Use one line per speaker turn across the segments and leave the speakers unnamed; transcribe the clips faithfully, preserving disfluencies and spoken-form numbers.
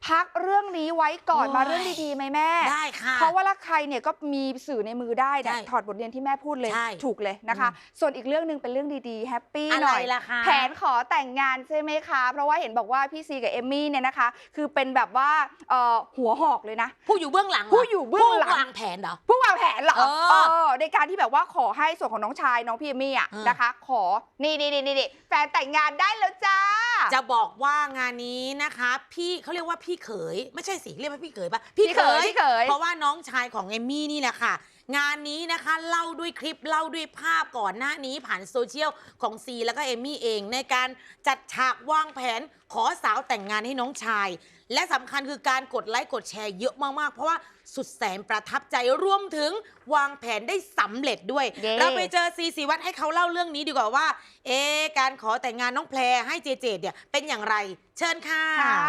พักเรื่องนี้ไว้ก่อนมาเรื่องดีๆไหมแม่
ได้ค่ะ
เพราะว่าละใครเนี่ยก็มีสื่อในมือได้เนี่ยถอดบทเรียนที่แม่พูดเลยถูกเลยนะคะส่วนอีกเรื่องหนึ่งเป็นเรื่องดีๆแฮปปี้หน่อยแผนขอแต่งงานใช่ไหมคะเพราะว่าเห็นบอกว่าพี่ซีกับเอมมี่เนี่ยนะคะคือเป็นแบบว่าหัวหอกเลยนะ
ผู้อยู่เบื้องหลัง
ผู้อยู่เบื้องหลัง
ผู้วางแผนเหรอ
ผู้วางแผนเหรอในการที่แบบว่าขอให้ส่วนของน้องชายน้องพี่เอมมี่อ่ะนะคะขอนี่นี่นี่นี่แฟนแต่งงานได้แล้วจ้า
จะบอกว่างานนี้นะคะพี่เขาเรียกว่าพี่เขยไม่ใช่สิเรียกว่าพี่เขยปะ
พี่เขย
เพราะว่าน้องชายของเอมมี่นี่แหละค่ะงานนี้นะคะเล่าด้วยคลิปเล่าด้วยภาพก่อนหน้านี้ผ่านโซเชียลของซีแล้วก็เอมมี่เองในการจัดฉากวางแผนขอสาวแต่งงานให้น้องชายและสำคัญคือการกดไลค์กดแชร์เยอะมากๆเพราะว่าสุดแสนประทับใจรวมถึงวางแผนได้สำเร็จด้วย yeah. เราไปเจอซีซีวัดให้เขาเล่าเรื่องนี้ดีกว่าว่าเอ๊การขอแต่งงานน้องแพรให้เจเจเนี่ยเป็นอย่างไรเชิญค่ะ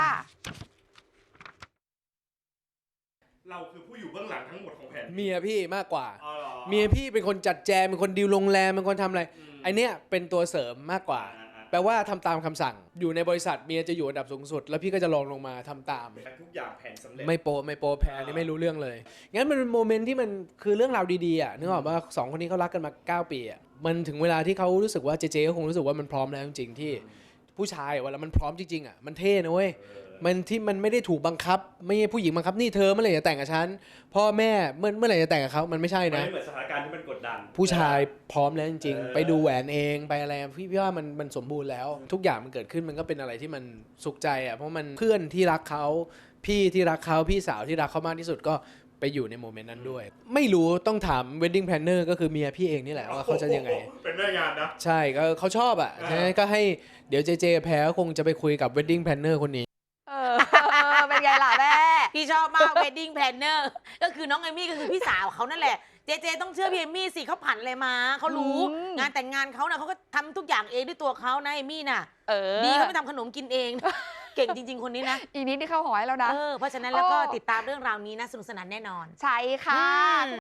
เราคือผู้อยู่เบื้องหลังทั้งหมดของแผน
เมียพี่มากกว่าเมียพี่เป็นคนจัดแจงเป็นคนดีลโรงแรมเป็นคนทำอะไรไอเนี้ยเป็นตัวเสริมมากกว่าแปลว่าทำตามคำสั่งอยู่ในบริษัทเมียจะอยู่อันดับสูงสุดแล้วพี่ก็จะลองลงมาทำตาม
ทุกอย่างแผนสำเร็จ
ไม่โปไม่โปแผนนี่ไม่รู้เรื่องเลยงั้นมันเป็นโมเมนต์ที่มันคือเรื่องราวดีๆอ่ะนึกออกว่าสองคนนี้เขารักกันมาเก้าปีอ่ะมันถึงเวลาที่เขารู้สึกว่าเจเจก็คงรู้สึกว่ามันพร้อมแล้วจริงๆที่ผู้ชายเวลามันพร้อมจริงๆอ่ะมันเท่นะเว้ยมันที่มันไม่ได้ถูกบังคับไม่ใช่ผู้หญิงบังคับนี่เธอเมื่อไหร่จะแต่งกับฉันพ่อแม่เมื่อเมื่อไหร่จะแต่งกับเขามันไม่ใช่นะ
ไม่เหมือนสถานการณ์ที่มันกดดัน
ผู้ชายพร้อมแล้วจริงๆไปดูแหวนเองไปอะไรพี่พี่ว่ามันมันสมบูรณ์แล้วทุกอย่างมันเกิดขึ้นมันก็เป็นอะไรที่มันสุขใจอ่ะเพราะมันเพื่อนที่รักเขาพี่ที่รักเขาพี่สาวที่รักเขามากที่สุดก็ไปอยู่ในโมเมนต์นั้นด้วยไม่รู้ต้องถาม wedding planner ก็คือเมียพี่เองนี่แหละว่าเขาจะยังไง
เป็นแม่งานนะ
ใช่ก็เขาชอบอ่ะใช่ก็ให้เดี๋ยวเจเจแพ้คงจะไปคุยกับ wedding planner คนนี้
เป็นไงล่ะแม่
พี่ชอบมาก wedding planner ก็คือน้องเอมี่ก็คือพี่สาวเขานั่นแหละเจเจต้องเชื่อพี่เอมี่สิเขาผ่านอะไรมาเขารู้งานแต่งงานเขานะเขาก็ทำทุกอย่างเองด้วยตัวเขานะเอมี่น่ะดีเขาไปทำขนมกินเองเก่งจริงๆคนนี้นะ
อีกนิดที่เข้าหอยแล้วนะ
เพราะฉะนั้นแล้วก็ติดตามเรื่องราวนี้นะสนุกสนานแน่นอน
ใช่ค่ะ